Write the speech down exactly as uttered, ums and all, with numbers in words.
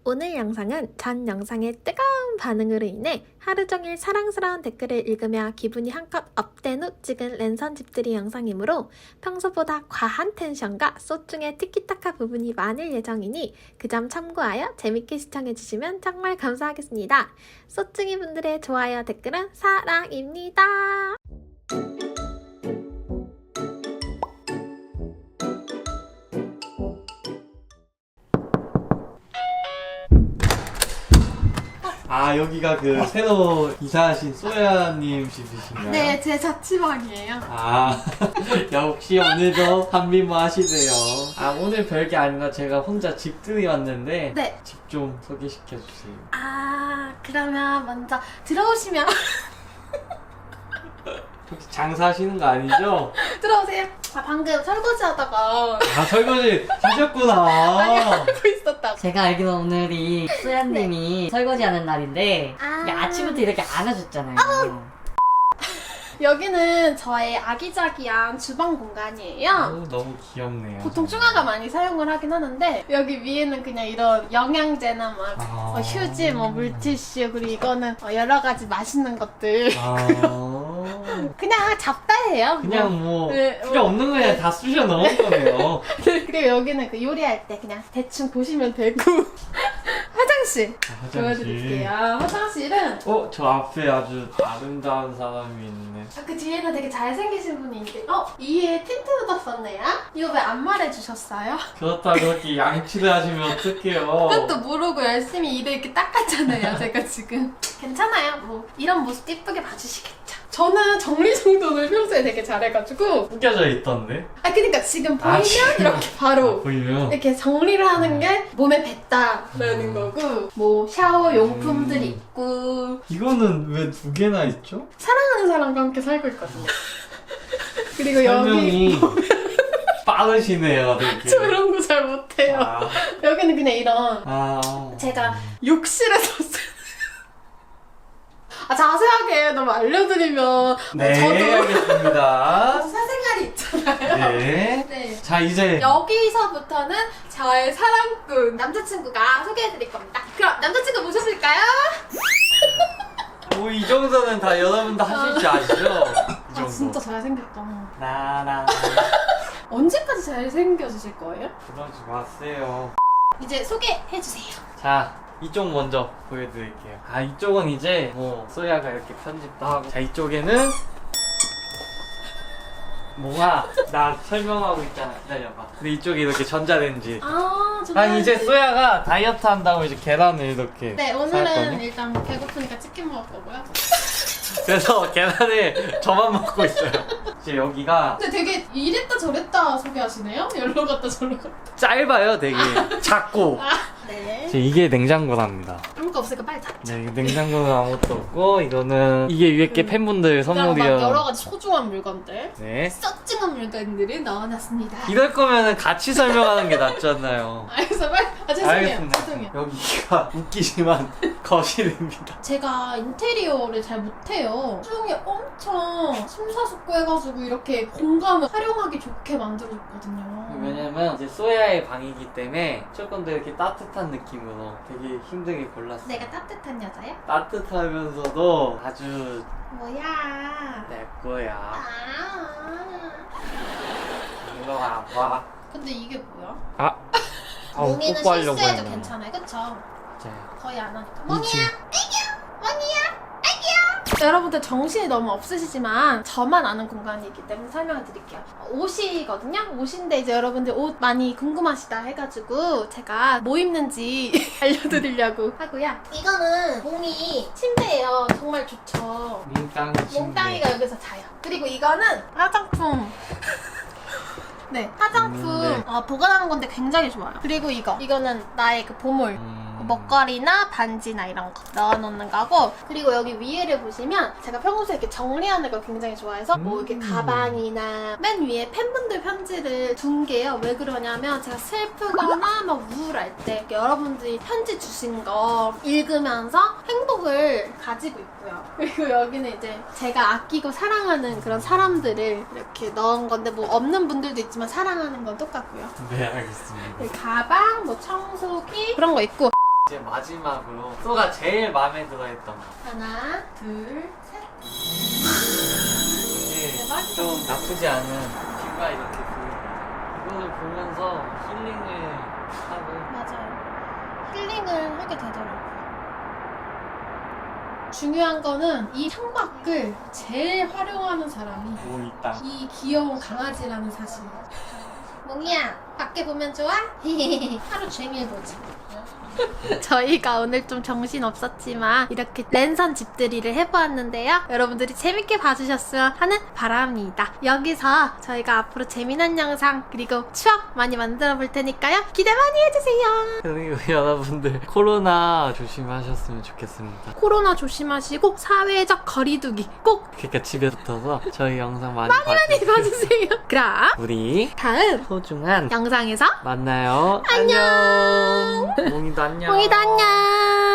오늘 영상은 전 영상의 뜨거운 반응으로 인해 하루 종일 사랑스러운 댓글을 읽으며 기분이 한껏 업된 후 찍은 랜선 집들이 영상이므로 평소보다 과한 텐션과 쏘중의 티키타카 부분이 많을 예정이니 그 점 참고하여 재밌게 시청해주시면 정말 감사하겠습니다. 쏘중이 분들의 좋아요 댓글은 사랑입니다. 아, 여기가 그 새로 이사하신 소야님 집이신가요? 네, 제 자취방이에요. 아, 역시 오늘도 한미모 하시네요. 아, 오늘 별게 아니라 제가 혼자 집들이 왔는데 네. 집 좀 소개시켜주세요. 아, 그러면 먼저 들어오시면 혹시 장사하시는 거 아니죠? 들어오세요. 아, 방금 설거지 하다가 아, 설거지 하셨구나. 하고 있었다고. 제가 알기로 오늘이 소야님이 설거지하는 날인데 아. 이게 아침부터 이렇게 안 하셨잖아요. 여기는 저의 아기자기한 주방 공간이에요. 오, 너무 귀엽네요. 보통 중화가 많이 사용을 하긴 하는데 여기 위에는 그냥 이런 영양제나 막 아. 어, 휴지, 뭐 물티슈, 그리고 이거는 어, 여러 가지 맛있는 것들 아, 그냥 잡다해요. 그냥 뭐 네, 필요 뭐. 없는 거 그냥 다 쑤셔 넣은 거네요. 그리고 여기는 그 요리할 때 그냥 대충 보시면 되고 화장실 아, 화장실. 보여드릴게요. 화장실은 어, 저 앞에 아주 아름다운 사람이 있네. 아, 그 뒤에는 되게 잘생기신 분이 있는데 어? 이에 틴트 묻었었네요? 이거 왜 안 말해주셨어요? 그렇다고 그렇게 양치를 하시면 어떡해요. 그것도 모르고 열심히 이를 이렇게 닦았잖아요, 제가 지금. 괜찮아요. 뭐 이런 모습 예쁘게 봐주시겠죠. 저는 정리정돈을 평소에 되게 잘해가지고 꾸겨져 있던데? 아 그러니까 지금 보이면 아, 지금. 이렇게 바로 아, 보이면? 이렇게 정리를 하는 게 몸에 뱉다라는 거고 뭐 샤워 용품들 음. 있고 이거는 왜 두 개나 있죠? 사랑하는 사람과 함께 살고 있거든요. 그리고 여기 설명이 빠르시네요, 되게. 저 이런 거 잘 못해요. 아, 여기는 그냥 이런 아. 제가 욕실에서 쓰... 아 자세하게 너무 알려드리면 네, 저도 알겠습니다. 사생활이 있잖아요. 네. 네. 자, 이제. 여기서부터는 저의 사랑꾼 남자친구가 소개해드릴 겁니다. 그럼 남자친구 모셨을까요? 뭐, 이 정도는 다 여러분도 하실 줄 아시죠? 이 정도. 아 진짜 잘생겼다. 나나. 언제까지 잘생겨주실 거예요? 그러지 마세요. 이제 소개해주세요. 자, 이쪽 먼저 보여드릴게요. 아, 이쪽은 이제 뭐 소야가 이렇게 편집도 하고. 자, 이쪽에는 뭐가 나 설명하고 있잖아. 기다려봐. 근데 이쪽에 이렇게 전자레인지. 아 아, 이제 소야가 다이어트 한다고 이제 계란을 이렇게 네 살 오늘은 거냐? 일단 배고프니까 치킨 먹을 거고요. 그래서 계란을 저만 먹고 있어요. 이제 여기가 근데 되게 이랬다 저랬다 소개하시네요? 열로 갔다 절로 갔다. 짧아요, 되게. 작고. 아, 네. 이제 이게 냉장고랍니다. 아무것도 없으니까 빨리 닫자. 네, 냉장고는 아무것도 없고, 이거는 이게 위에 게 팬분들 그다음 막 선물이요. 여러 가지 소중한 물건들, 네. 썩증한 물건들을 넣어놨습니다. 이럴 거면은 같이 설명하는 게 낫잖아요. 알겠어, 빨리. 아 죄송해요. 알겠습니다. 죄송해요. 여기가 웃기지만 거실입니다. 제가 인테리어를 잘 못해요. 수중에 엄청 심사숙고해가지고 이렇게 공간을 활용하기 좋게 만들어줬거든요. 왜냐면 이제 소야의 방이기 때문에 조금 더 이렇게 따뜻한 느낌으로 되게 힘들게 골랐어요. 내가 따뜻한 여자야? 따뜻하면서도 아주 뭐야? 내 거야. 아. 이거 아파. 근데 이게 뭐야? 아. 아우, 몽이는 뽀뽀하려고 실수해도 했네. 괜찮아요, 그쵸? 맞아요. 거의 안 하니까. 이 몽이야, 집. 애기야, 몽이야, 애기야. 여러분들 정신이 너무 없으시지만 저만 아는 공간이기 때문에 설명을 드릴게요. 옷이거든요? 옷인데 이제 여러분들 옷 많이 궁금하시다 해가지고 제가 뭐 입는지 알려드리려고 하고요. 이거는 몽이 침대예요. 정말 좋죠. 몽땅이 침대. 몽땅이가 여기서 자요. 그리고 이거는 화장품. 네, 화장품 있는데. 어, 보관하는 건데 굉장히 좋아요. 그리고 이거, 이거는 나의 그 보물. 음. 먹거리나 반지나 이런 거 넣어놓는 거고, 그리고 여기 위에를 보시면 제가 평소에 이렇게 정리하는 걸 굉장히 좋아해서 뭐 이렇게 음. 가방이나 맨 위에 팬분들 편지를 둔 게요. 왜 그러냐면 제가 슬프거나 막 우울할 때 여러분들이 편지 주신 거 읽으면서 행복을 가지고 있고요. 그리고 여기는 이제 제가 아끼고 사랑하는 그런 사람들을 이렇게 넣은 건데 뭐 없는 분들도 있지만 사랑하는 건 똑같고요. 네, 알겠습니다. 가방, 뭐 청소기 그런 거 있고, 이제 마지막으로 소가 제일 마음에 들어했던 거. 하나, 둘, 셋. 이게 대박이다. 좀 나쁘지 않은 뷰가 이렇게 보입니다. 이거를 보면서 힐링을 하고 맞아요. 힐링을 하게 되더라고요. 중요한 거는 이 창밖을 제일 활용하는 사람이 뭐 있다. 이 귀여운 강아지라는 사실. 몽이야, 밖에 보면 좋아? 하루 종일 보지. 저희가 오늘 좀 정신 없었지만 이렇게 랜선 집들이를 해보았는데요. 여러분들이 재밌게 봐주셨으면 하는 바람입니다. 여기서 저희가 앞으로 재미난 영상 그리고 추억 많이 만들어 볼 테니까요. 기대 많이 해주세요. 그리고 여러분들 코로나 조심하셨으면 좋겠습니다. 코로나 조심하시고 사회적 거리두기 꼭 그러니까 집에 붙어서 저희 영상 많이, 많이 봐주세요. 봐주세요. 그럼 우리 다음 소중한 영상에서 만나요. 안녕. 몽이도 안녕. 몽이도 안녕.